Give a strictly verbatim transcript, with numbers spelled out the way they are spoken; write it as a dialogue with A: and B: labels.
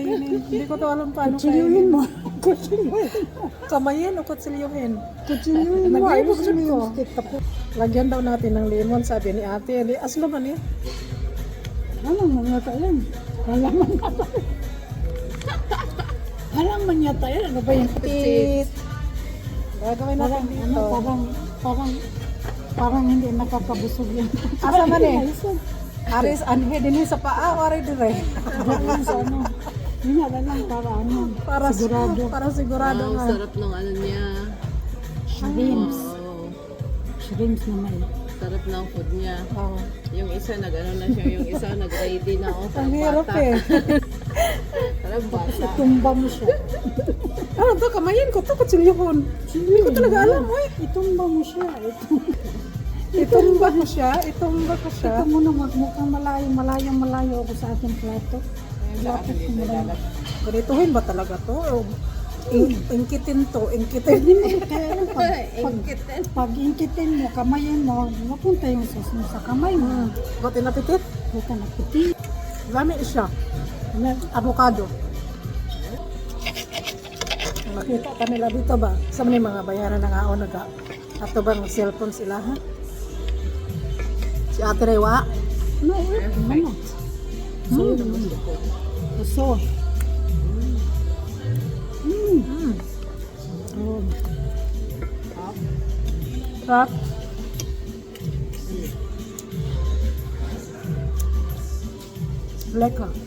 A: kainin. Hindi ko to alam paano
B: Kutsilyuhin
A: kainin.
B: mo. Kutsilyuhin mo.
A: Kamayin o kutsilyuhin?
B: Kutsilyuhin mo. Ay,
A: Nag-ibog
B: gusto
A: ko.
B: yung stick tapos.
A: Lagyan daw natin ng lemon, sabi ni ate. Di, aslo man eh.
B: Ano man yata yan? Halaman yata. Halaman yata yan. Ano ba yung
A: Tit. Gagawin natin
B: Parang,
A: dito.
B: ano, parang, parang, parang hindi nakakabusog yan.
A: Asa man eh?
B: Ayun,
A: Aris, anhe din sa paa, wari dire.
B: ayun sa ano. Yun na lang para ano.
A: Para
B: sigurado.
A: Para sigurado
C: Wow,
A: nga.
C: sarap ng ano niya.
B: Shrimps.
C: Wow,
B: Shrimps naman.
C: sarap ng food niya.
A: Oh.
C: Yung isa nag-ano na siya, yung isa nag-ready na ako sa
A: Ang hirap
C: bata.
A: eh.
C: Sarap bata.
B: Tumba mo siya.
A: Ano to, kamayin ko to, kutsilyuhon. Hindi ko talaga alam, oy.
B: Itumba mo siya. Itumba.
A: Itumba ko siya, itumba ko siya.
B: Ito mo na magmukhang malayo, malayo, malayo ako sa aking plato. Plato ko malayo.
A: Ganituhin ba talaga to? O, in, ingkitin to, ingkitin.
B: Hindi mo kaya lang pag, pag,
C: Ingkitin.
B: pag ingkitin mo, kamayin mo, mapunta yung sauce mo sa kamay mo.
A: Got inapitit?
B: Huwag ka naputi.
A: Lami siya. Avocado. Makita ka nila dito ba? Sa mga mga bayaran ng aon naga. Ato bang cellphone sila ha? Si Ate Rewa.
B: No, ano? So, so. Mm.
A: Mm.
B: Oh.
A: Sarap. Lekker.